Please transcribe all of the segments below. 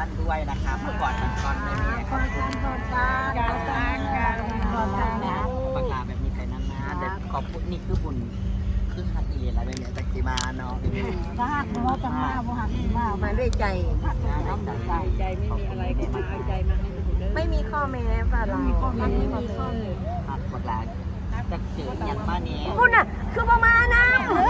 ท่านด้วยนะครับเมื่อก่อนก่อนไม่มีขอบคุณปากกาแบบนี้ไปนานๆแต่ขอบคุณนี่คือบุญคือหักอีอะไรแบบนี้จากกีมาเนาะถ้าหักเราจะมาบ่หักมาด้วยใจใจไม่มีอะไรก็มาเอาใจมาให้มันเด้อไม่มีข้อแม้ป่ะเราไม่มีข้อแม้หักปากกาจะเจออย่างบ้านนี้คุณน่ะคือประมาณนั้น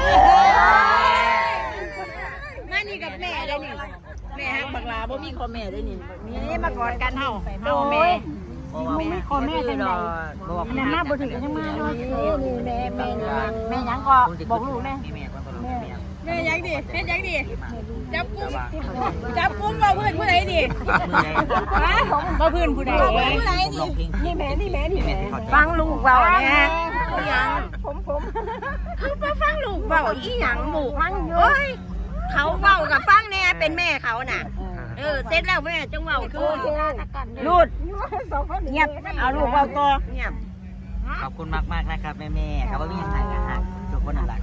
มานี่กับแม่ได้นี่แม่ฮักบักลาบ่มีข้อแม่ได้นี่นี่มากอดกันเฮาแม่ไม่มีข้อแม้จังได๋นั่นมาบ่ถึงยังมาเนาะนี่แม่ยังก็บอกลูกแม่แม่ยังดิเฮ็ดยังดิจับกุมบ่เพื่อนผู้ใดดิฮะบ่เพื่อนผู้ใดดินี่แม่ฟังลูกเว้าแน่ยังผมคือบ่ฟังลูกเว้าอีหยังลูกมันเอ้ยเขาเว้ากับฟังแน่เป็นแม่เขาน่ะเสร็จแล้วแม่จังเว้าคือลูดเงียบเอาลูกเว้าต่อเงียบขอบคุณมากๆนะครับแม่ๆครับว่ามีอย่างไรกันฮะทุกคนนั่นแหละ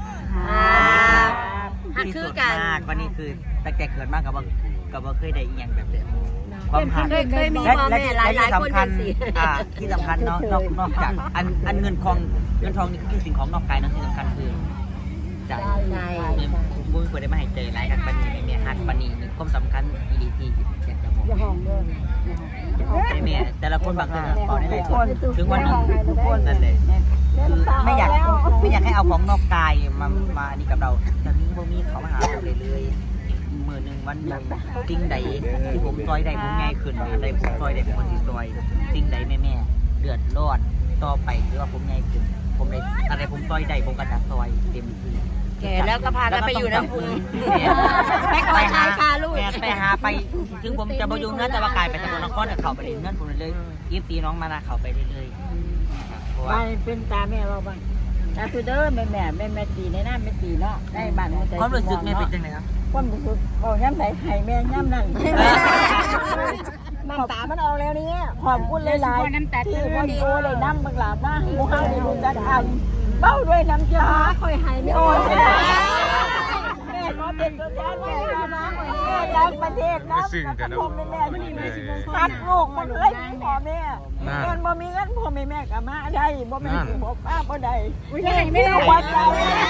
ฮักที่คืสุอดกันมากวันนี้คือตั้งแต่เกิดมากกับว่าเคยได้อีกอย่างแบบเดิมความหักเคยมีพ่อแม่หลายคนจังซี่ที่สำคัญเนาะนอกจากอันเงินทองนี่คือสิ่งของนอกกายเนาะที่สำคัญคือใจบุ้ยควรได้มาให้เจอหลายหักปนีแม่หักปนีหนึ่งความสำคัญอีดีที่อยากจะบอกแม่แต่ละคนบางคนต่อได้หลายคนถึงวันนี้ทุกคนนั่นเลยคือไม่อยากให้เอาของนอกกายมานี่กับเราแต่นี้พวกนี้เขามาหาเราเลยมือหนึ่งวันหนึ่งสิ่งใดที่ผมซอยได้ผมง่ายขึ้นอะไรผมซอยได้ผมก็ซอยสิ่งใดแม่เดือดร้อนต่อไปหรือว่าผมง่ายขึ้นผมได้อะไรผมซอยได้ผมก็จะซอยเต็มที่แก่แล้วก็พากันไปอยู่น้ำพุงไปหาชาลูกไปหาไปถึงผมจะบอยู่เงื่อนแต่ว่ากายไปสกลนครเนี่ยเขาไปเงื่อนผมเลย24น้องมานาเขาไปเรื่อยๆบ้านเป็นตาแม่เราบ้างตาคือเด้อแม่ตีในน้ำแม่ตีเนาะได้บ้านมันใจความรู้สึกแม่เป็นยังไงครับความรู้สึกบอกย้ำไหนไข่แม่ย้ำนั่นน้ำตามันออกแล้วนี่ขอบคุณหลายๆที่วันโอ้เลยน้ำบังหลาบนะมูฮั่นนี่รู้จักทำเบ้าด้วยน้ำยาคอยหายไม่โอ้ยแม่ขอเป็นตัวแทนแม่นะแม่รักประเทศนะผมเป็นแม่ที่มีทัดลูกมันเลยพ่อแม่เงินบ่มีเงินพ่อแม่กับมาได้บ่แม่สิบอกป้าบ่ได้ไม่ได้หัวใจ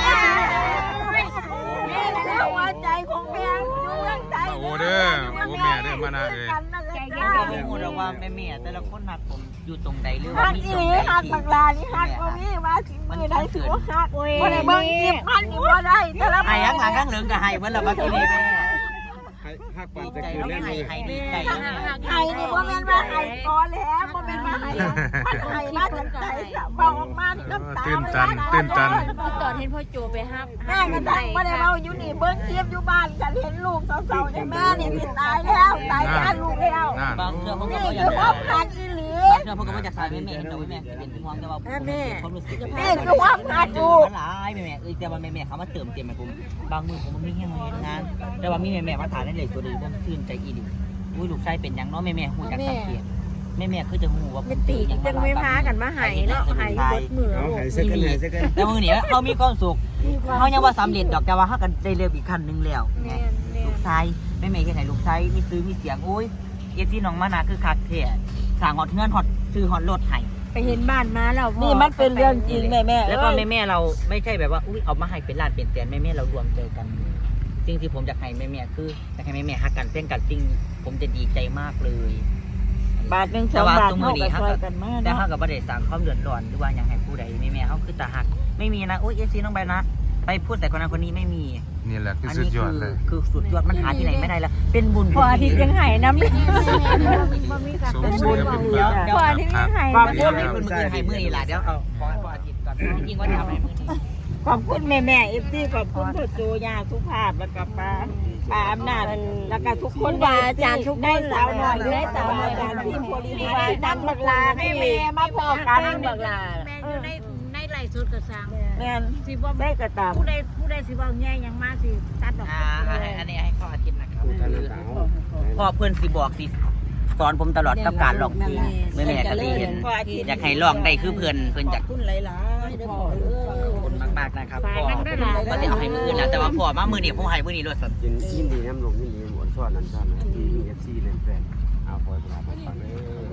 หัวใจของแม่อยู่เมืองไทยโอ้เด้อโอ้แม่เด้อมานะเอ้ยก็ไม่พูดว่าแม่แต่ละคนหักผมอยู่ตรงใดหรือว่าหักมีอีตหรงลีใดหักที่บักลานี่หักบ่มีว่าสิมือใดสิว่าหักบ่ได้เบิ่งคลิปมันนี่บ่ได้แต่ละหายข้างหลังข้างเหลืองกับหายเมื่อเรามากินนี่แม่หักปันดีจะใจคืนแล้วเล่นหาเลย ยหายดีใจไห้นี่บ่แม่นว่าไห้ก่อนแล้วบ่แม่นว่าไห้มันไห้มาจากใจเบาออกมาน้ำตาตื่นตันตอนเห็นพ่อโจไปฮับแม่ก็ตั้งบ่ได้เว้าอยู่นี่เบิ่งคลิปอยู่บ้านกันเห็นลูกเศร้าๆเนี่ยแม่นี่สิตายแล้วตายกันลูกแล้วนั่นบางเรื่องพวกนี่ก็อยาคืกอความหักอีหลีเรื่องพวกก็มาจากสายแม่เห็นแต่ว่าแม่เป็นห่วงแต่ว่าความรู้สึกนี่คือความหักกูหลายแม่แต่ว่าแม่เขามาเติมเต็มให้ผมบางมือผมมันไม่เงี้ยเลยนะแต่ว่ามีแม่มาถ่ายในเลยตัวดีผมชื่นใจอีดิอุ้ยลูกชายเป็นยังเนาะแม่หูจากสังเกตแม่คือจะหูว่าเป็นตีจังไม่พากันมาหายเนาะหายบดมือเอาหายสักกันหายสักกันแต่มือเนี่ยเขามีความสุขเขายังว่าสำเร็จดอกแต่ว่าเขากันได้เร็วอีกขั้นนึงแล้วไงลูกชายแม่แค่ไหนลูกชายมีซื้อมีเสียงอุ้ยเอซี่น้องมานาคือคักเท่สั่งฮอตเงินฮอตซื้อฮอตรถให้ไปเห็นบ้านมาแล้วนี่มันเป็นเรื่องจริงแม่แล้วก็แม่เราไม่ใช่แบบว่าอุ้ยเอามาให้เป็นล้านเป็นแสนแม่เรารวมเจอกันสิ่งที่ผมอยากให้แม่คืออยากให้แม่ฮักกันเต้นกันสิ่งผมจะดีใจมากเลยบาทนึง2 บาทเท่ากับซอยกันมาแต่เนาะเขากับประเดี๋ยวสั่งความเดือดร้อนหรือว่าอยากให้ผู้ใดแม่เขาคือตาหักไม่มีนะอุ้ยเอซีน้องใบนะไปพูดแต่คนนั้นคนนี้ไม่มีนี่แหละคือสุดยอดเลยคือสุดยอดมันหาที่ไหนไม่ได้แล้วเป็นบุญพออาทิตย์ยังหายน้ำสมชื่อเป็นบุญพออาทิตย์ยังหายความบุญให้คุณมือให้มือนี่แหละเดี๋ยวเอาพออาทิตย์ก่อนจริงว่าจะเอาให้มือนี้ขอบคุณแม่FC ขอบคุณพ่อโจยาสุภาพแล้วก็ป้าอำนาจแล้วก็ทุกคนว่าอาจารย์ทุกได้สาวหน่อยได้สาวหน่อยอาจารย์พี่โพลีว่าดังบักลาให้แม่มาพอกันบักลาแม่อยู่ในไหลสุดกระซังแม่นสิบ่ได้กระตามผู้ใดสิบ่แง่ยังมาสิตัดดอกอันนี้ให้ข้ออาทิตย์นะครับพ่อเพื่อนสิบอกสิสอนผมตลอดกับการร้องเพลงแม่ก็ได้เห็นอยากให้ร้องได้คือเพื่อนอยากคุณหลายๆเด้อพ่อเด้อขอบคุณมากๆนะครับพ่อก็จะเอาให้มืออื่นนะแต่ว่าพ่อมามือนี้ผมให้มือนี้รวดสัตว์ยินดีน้ำลงยินดีหมดส่วนนั้นท่านที่มีเอฟซีเลยแฟนเอาปล่อยไปแล้วฟังเลย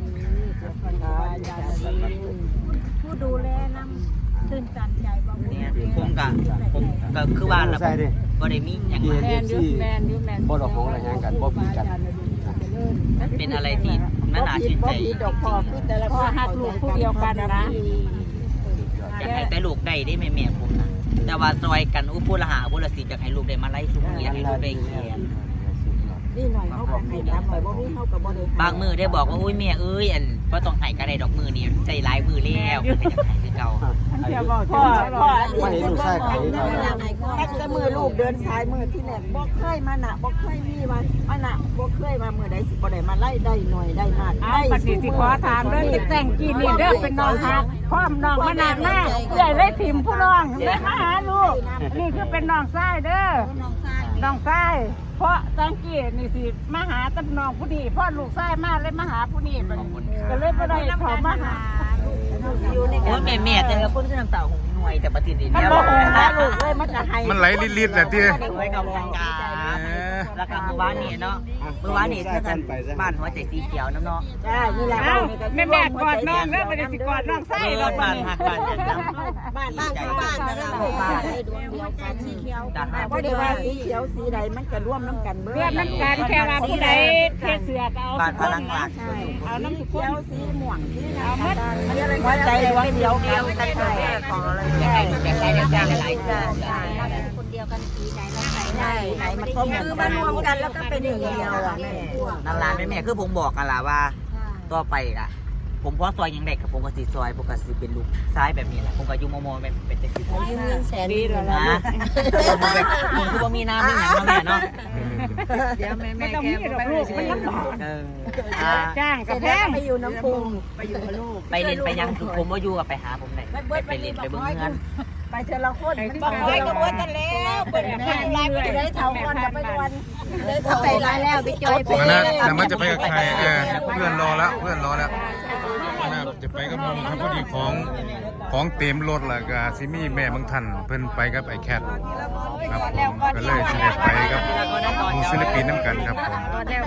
ผู้ดูแลนำตื่นตันใจบ่เนี่ยผมก็คือว่าล่ะบ่ได้มีหยังมาแมนยูแมนบ่ดอกของอะไรกันบ่ปีกันเป็นอะไรที่น่าชื่นใจดอกพอคือแต่ละพ่อหักลูกผู้เดียวกันนะอยากให้แต่ลูกได้แม่ผมนะแต่ว่าซอยกันอุผู้ละหาผู้ละสิอยากให้ลูกได้มาไล่ชุมอยากให้ลูกได้เขียนนี่หน่อยเขาบอกให้น้ำหน่อยบ่มีเขากับบ่ได้บางมือได้บอกว่าอุ้ยแม่เอ้ยอันบ่ต้องให้ก็ได้ดอกมือนี่ใจหลายมือแล้วก็อยากให้คือเก่าพ่อไม่เห็นลูกชายใครแต่มือลูกเดินสายมือที่แหลกบ่เคยมาหนะบ่เคยมีมาหนะบ่เคยมามือใดสิบ่ได้มาไล่ได้หน่อยได้มากได้สิขอถามเด้อแต่งกี่นี่เด้อเป็นน้องฮักพร้อมน้องมานานมากใหญ่เลยถิ่มผู้น้องเลยมาหาลูกนี่คือเป็นน้องชายเด้อน้องชายเพราะตังกี้นี่สิมาหาตำน้องผู้นี้พ่อลูกชายมาเลยมาหาผู้นี้ก็เลยบ่ได้เขามาหาโอ้ยแม่แต่ละคนคือน้ำตาของหน่วยแต่ปฏิทินมันเนี่ยบ่หาลูกเลยมันจะให้มันไหลลิดๆแหละที่ไว้กับวงการแล้วก็เมื่อวานนี่เนาะเมื่อวานนี่คือกันบ้านหัวใจสีเขียวน้ำเนาะใช่นี่แหละแม่กอดน้องแล้วมันจะสิกอดน้องไส้รถบ้านหักบ้านจังบ้านนั่นแหละบ้านให้ดวงเดียวกันสีเขียวบ่ได้ว่าสีเขียวสีใดมันก็ร่วมน้ำกันเบิดร่วมน้ำกันแค่ว่าผู้ใดเทเสือเอาบ้านพลังหลักเอาน้ำเขียวสีม่วงสีเอาหมดหัวใจดวงเดียวกันแต่ของอะไรอยากให้หลายๆคนเดียวกันสีไหนแล้วไหนใช่ไหนมันก็คือมารวมกันแล้วก็เป็นหนึ่งเดียวอ่ะแม่นั่นล่ะแม่คือผมบอกกันล่ะว่าต่อไปอ่ะผมพอซอยยังเด็กกับผมก็สิซอยผมก็สิเป็นลูกซ้ายแบบนี้แหละผมก็อยู่โมเป็นจังซี่ยืมเงินแสนดีแล้วนะผมคือบ่มีน้ำมีหยังเนาะแม่เนาะเดี๋ยวแม่แกไปลูกมันลำบาก จ้างกับแพงไปอยู่น้ำพุงไปอยู่กับลูกไปเล่นไปยังคือผมว่าอยู่กับไปหาผมไหนไปเล่นไปเบิ่งเงินไปเทละคนบอกไว้ก็เบิดกันแล้วเปิดแม่ไล่ไปได้เท่าก่อนจะไปวันได้เท่าไปไล่แล้วไปจอยไปมันนะแต่มันจะไปกับใครเพื่อนรอแล้วนะจะไปกับน้องครับพอดีของเต็มรถแล้วก็ซิมี่แม่บางท่านเพิ่นไปกับไอ้แคทครับผมก็เลยจะได้ไปกับผู้ศิลปินน้ำกันครับผม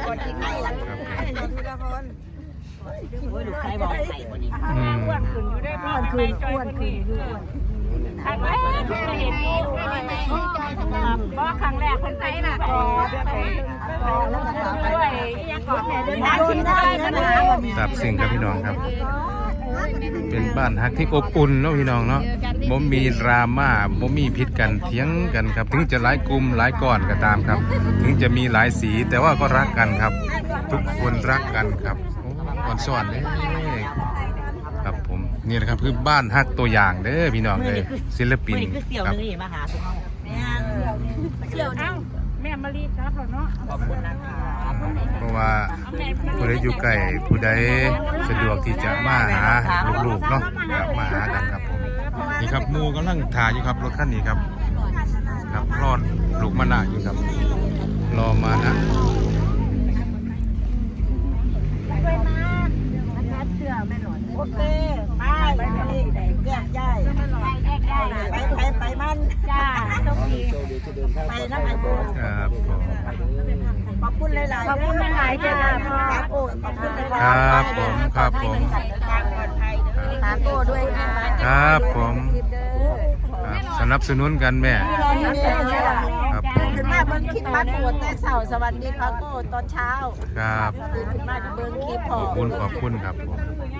ครับลูกชายบอกไข่คนนี้อ้วนขึ้นอยู่ได้บ้านคืนอ้วนขึ้นอยู่ครั้งแรกเห็นเพราะครั้งแรกคนไทยน่ะด้วยยังก่อนแม่ด้วยนะชิ้นได้นะทราบซึ้งครับพี่น้องครับ เป็นบ้านฮักที่อบอุ่นเนาะพี่น้องเนาะบ่มีดราม่าบ่มีพิษกันเถียงกันครับถึงจะหลายกลุ่มหลายก้อนก็ตามครับ ถึงจะมีหลายสีแต่ว่าก็รักกันครับ ทุกคนรักกันครับโอ้ก่อนสอนเลยครับผมนี่แหละครับคือบ้านฮักตัวอย่างเด้อพี่น้องเลยศิลปินคือเสี่ยวครับนึงมาหาทุกเขาเสี่ยวเอ้าแม่มารีครับเนาะขอบคุณนะครับเพราะว่าผู้ใดอยู่ใกล้ผู้ใดสะดวกที่จะมาหาลูกๆเนาะก็มาหากันครับผมนี่ครับหมูกำลังถ่ายอยู่ครับรถคันนี้ครับครับรอดลูกมะนาวอยู่ครับรอมานะโอเคไปแยกย้ายไปมันจ้าไปน้ำมันโบครับผมขอบคุณหลายๆขอบคุณหลายๆจ้าโอ้ขอบคุณหลายๆครับผมครับผมตามโต้ด้วยนะครับผมครับสนับสนุนกันแม่ครับขึ้นมาเบิ้งคลิปมาโกดแต่เสาสวัสดีครับโก้ตอนเช้าครับขึ้นมาจะเบิ้งคลิปพขออบคุณครับผม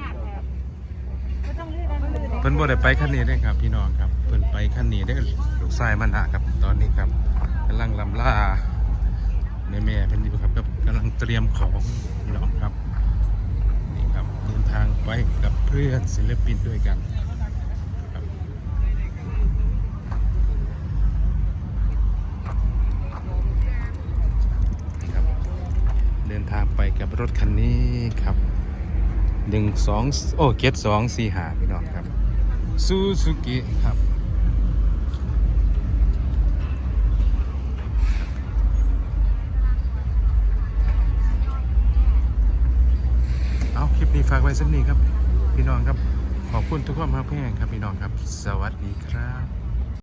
เพิ่นบ่ได้ไปคันนี้ได้ครับพี่น้องครับเพิ่นไปคันนี้ได้ลูกชายมันหะครับตอนนี้ครับกำลังลำล่าแม่เพิ่นอยู่ครับกำลังเตรียมของพี่น้องครับนี่ครับเดินทางไปกับเพื่อนศิลปินด้วยกันครับนี่ครับเดินทางไปกับรถคันนี้ครับเกต245พี่น้องครับซูซูกิครับเอาคลิปนี้ฝากไว้สักนิดครับพี่น้องครับขอบคุณทุกความรักแพงครับพี่น้องครับสวัสดีครับ